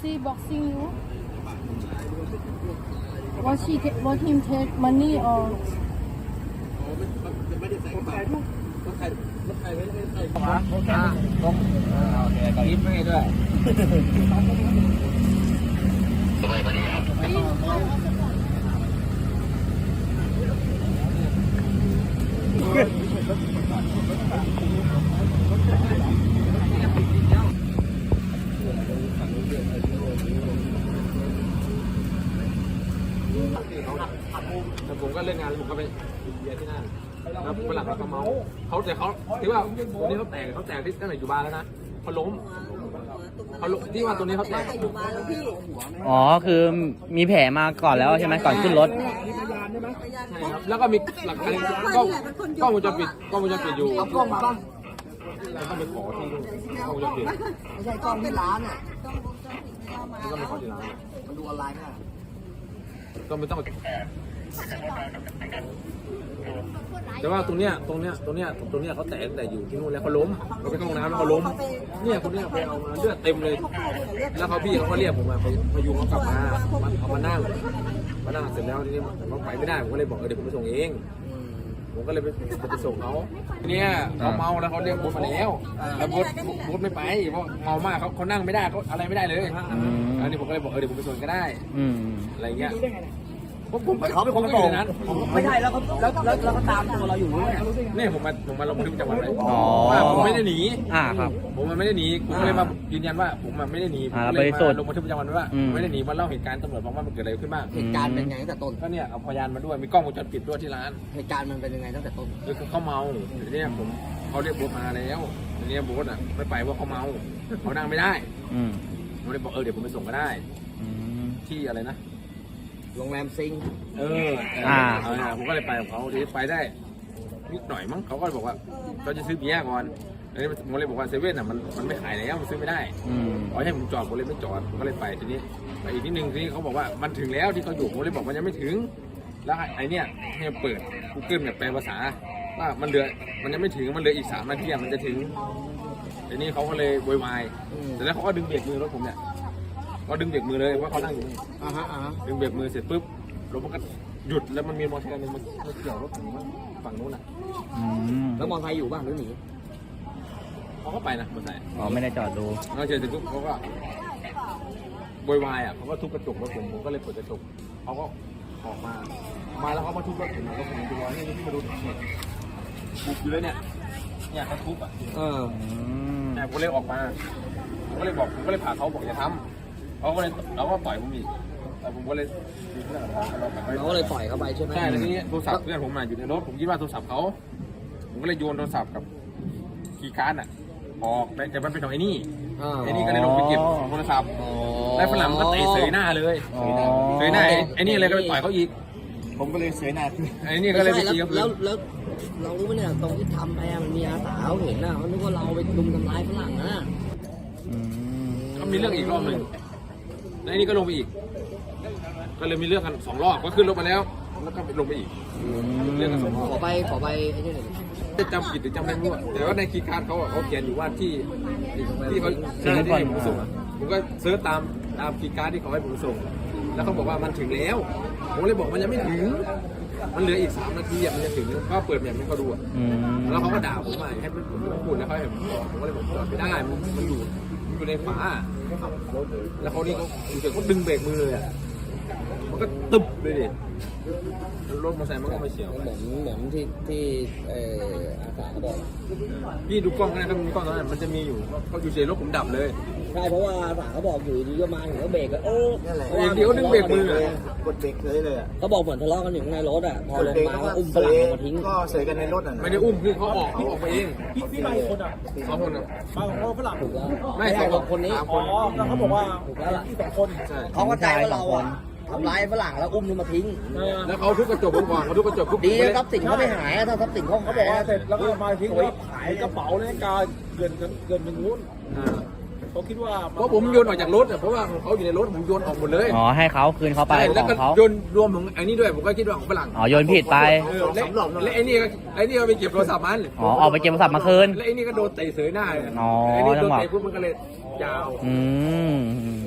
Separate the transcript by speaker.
Speaker 1: he boxing you? Was him take money or?
Speaker 2: ไม่ได้ใส่กระเป๋าต้องใครไม่ได้ใส่กระ
Speaker 3: ข
Speaker 2: เป๋าว
Speaker 3: าโอเคก็ยิ้มให้ด้วย
Speaker 2: ผมก็เล่นงานผมก็ไปเบียร์ที่นั่นแล้วฝรั่งเขาเมาเขาแต่เขาที่ว่าตัวนี้เขาแตกที่ตั้งแต่อยู่บ้านแล้วนะเขาล้มที่ว่าตัวนี้เขาแตก
Speaker 3: อ๋อคือมีแผลมาก่อนแล้วใช่ไหมก่อนขึ้นรถ
Speaker 2: ใช่ครับแล้วก็มีหลักฐานกล้องวงจรปิดอยู่เอากล้องมาบ้างแล้วก็ไปขอที่กล้องวงจรปิด
Speaker 4: ไม่ใช่กล้องที่ร้านอ่ะ
Speaker 2: แล้วก็ไปขอที่ร้าน
Speaker 4: มันดูออนไลน์น่ะ
Speaker 2: ก็ไม่ต้องแต่ว่าตรงเนี้ยเขาแตกแต่อยู่ที่นู่นแล้วเขาล้มเขาไปเข้าห้องน้ำแล้วเขาล้มเนี่ยคนเนี้ยไปเอามาเลือดเต็มเลยแล้วเขาพี่เขาก็เรียกผมมาพยุงเขากลับมาเอามานั่งเสร็จแล้วทีนี้เขาไปไม่ได้ผมก็เลยบอกเดี๋ยวผมไปส่งเองผมก็เลยไปส่งเขาทีนี้เขาเมาแล้วเขาเรียกบุ๊มาแล้วบุ๊ไม่ไปเพราะเมามากเขานั่งไม่ได้เขาอะไรไม่ได้เลยอันนี้ผมก็เลยบอกเดี๋ยวผมไปส่งก็ได้อะไรเงี้ยเขาเป็นคนส่งนั้นไม่ใช่แล้วเขาตามตัวเราอยู่เนี่ยผมมาลงบันทึกประจำวันไว้ว่าผมไม่ได้หนี
Speaker 3: ครับ
Speaker 2: ผมมันไม่ได้หนีผมก็เลยมายืนยันว่าผมมันไม่ได้หนีผมเลยมาลงบันทึกประจำวันไว้ว่าไม่ได้หนีมาเล่าเหตุการณ์ตำรวจบอกว่ามันเกิดอะไรขึ้นบ้าง
Speaker 4: เหตุการณ์เป็นไงตั้งแต่ต้น
Speaker 2: ก็เนี่ยเอาพยานมาด้วยมีกล้องวงจรปิดด้วยที่ร้าน
Speaker 4: เหตุการณ์มันเป็นยังไงตั้งแต่ต้น
Speaker 2: คือเขาเมาทีนี้เขาเรียกบุ๊มาแล้วทีนี้บุ๊ไม่ไปว่าเขาเมาเขานั่งไม่ได้ผมเลยบอกเดี๋ยวผมไปส่งก็ได้ที่อะไรนะ
Speaker 4: โรงแรมซิง
Speaker 2: ผมก็เลยไปกับเขาทีไปได้นิดหน่อยมั้งเขาก็บอกว่าเราจะซื้อเบียร์ก่อนแล้วผมเลยบอกว่าเซเว่นมันไม่ขายแล้วมันซื้อไม่ได้ขอให้ผมจอดผมเลยไม่จอดผมก็เลยไปทีนี้ไปอีกนิดนึงทีนี้เขาบอกว่ามันถึงแล้วที่เขาอยู่ผมเลยบอกมันยังไม่ถึงแล้วไอ้นี่ให้เปิด Google แบบแปลภาษาว่ามันยังไม่ถึงมันเหลืออีก3 นาทีมันจะถึงทีนี้เขาก็เลยโวยวายแต่แล้วเขาก็ดึงเบรกมือรถผมเนี่ยก็ดึงเบรกมือเลยว่าเขานั่งอยู่นี่ดึงเบรกมือเสร็จปุ๊บรถมันก็หยุดแล้วมันมีมอเตอร์ไซค์นึงมันเกี่ยวรถผมฝั่งนู้นน่ะ
Speaker 4: แล้วมอเตอร์ไซค์อยู่บ้างหรือหนี
Speaker 2: เขาก็ไปนะมอเตอร์ไซค์
Speaker 3: ไม่ได้จอดดู
Speaker 2: แล้วเสร็จปุ๊บเขาก็โวยวายเขาก็ทุบกระจกรถผมก็เลยเปิดกระจกเขาก็ออกมาแล้วเขามาทุบรถผมแล้วผมดูว่านี่มาดูบุกอยู่เลยเนี่ยเขาทุบแต่ผมเลยออกมาผมก็เลยพาเขาบอกอย่าทำเขาก็ปล่อยผมอีกแต่ผมก็เลย
Speaker 4: เราก็เลยปล่อยเขาไปใช่ไหม
Speaker 2: ใช่แล้วทีนี้โทรศัพท์เพื่อนผมมาอยู่ในรถผมคิดว่าโทรศัพท์เขาผมก็เลยโยนโทรศัพท์กับคีย์การ์ดออกแต่มันเป็นของไอ้นี่ก็เลยลงไปเก็บโทรศัพท์แล้วฝรั่งก็เตะเสยหน้าเลยเสยหน้าไอ้นี่เลยก็ไปต่อยเขาอีก
Speaker 4: ผมก็เลยเสยหน้า
Speaker 2: ไอ้นี่ก็เลยไปตีกับ
Speaker 4: แล้วเรารู้ไหมเนี่ยตรงที่ทำไปมันมีอาสาเขาเห็นนะเขาคิดว่าเราไปลุมทำร้ายฝรั่งนะ
Speaker 2: ก็มีเรื่องอีกรอบหนึ่งแล้วไอ้นี่ก็ลงไปอีกก็เลยมีเรื่องกัน2 รอบก็ขึ้นรถมาแล้วก็ลงไปอีกเรื่องกัน2 รอบ
Speaker 4: ขอไปไอ้นี่หน่อย
Speaker 2: จะจำผิดหรือจำไม่รู้แต่ว่าในคีย์การ์ดเขาเขียนอยู่ว่าที่เขาให้ผมส่งผมก็เซิร์ชตามคีย์การ์ดที่เขาให้ผมส่งแล้วเขาบอกว่ามันถึงแล้วผมเลยบอกมันยังไม่ถึงมันเหลืออีก3 นาทีมันจะถึงก็เปิดแบบให้เขาดูแล้วเขาก็ด่าผมมาให้ผมพูดแล้วเขาให้ผมก็เลยบอกจอดไม่ได้มันอยู่ในฝาแล้วเขานี่เขาดึงเบรกมือเลยมันก็ตึบเลยดิรถมอเตอร์ไซค์มันก็ไม่เฉียว
Speaker 4: เหมือนที่อาสาเขาบอก
Speaker 2: พี่ดูกล้องนะครับมีกล้องตอนนั้นมันจะมีอยู่เขาอยู่เฉยรถผมดับเลย
Speaker 4: ใช่เพราะว่าอาสาเขาบอกอยู่ดีก็มาถึงก็เบรกนั่นแหละ
Speaker 2: เดี๋ยวดึงเบรกมือก
Speaker 4: ดเบรกเลยเขาบอกเหมือนทะเลาะกันอยู่ในรถพอลงมาอุ้มฝรั่งลงมาทิ้ง
Speaker 5: ก็เสยกันในรถ
Speaker 2: ไม่ได้อุ้มคือเขาออกไปเอง
Speaker 5: พี่มาคน
Speaker 2: 2 คน
Speaker 5: มาของฝรั่ง
Speaker 4: ถูกแล้ว
Speaker 2: ไม่2 คนนี้
Speaker 5: แล้วเขาบอกว่า
Speaker 4: ถูกแล้วล่ะ
Speaker 5: ที่2 คน
Speaker 4: เขาก็ใจว่าเราทำร้ายฝรั่งแล้วอุ้มลงมาทิ้ง
Speaker 2: แล้วเขาทุบกระจกผมก่อนเขาทุบกระจก
Speaker 4: ดีทรัพย์สินเขาไม่หายถ้าทรัพย์สินเขาบอกว่า
Speaker 5: เสร็จแล้วก็มาทิ้งแล้วขายกระเป๋านาฬิกาเกินเป็นนู้นเขาคิดว่า
Speaker 2: เพราะผมโยนออกจากรถเพราะว่าเขาอยู่ในรถผมโยนออกหมดเลย
Speaker 3: ให้เขาคืนเขาไป
Speaker 2: แล้วก็โยนรวมถึงไอ้นี่ด้วยผมก็คิดว่าของฝรั่ง
Speaker 3: โยนผิดไป
Speaker 2: แล้วไอ้นี่ก็ไปเก็บโทรศัพท์มัน
Speaker 3: ออกไปเก็บโทรศัพท์มาคืน
Speaker 2: แล้วไอ้นี่ก็โดนเตะเสยหน้าไอ้นี่โดนเตะปุ๊บมันก็เลยยาว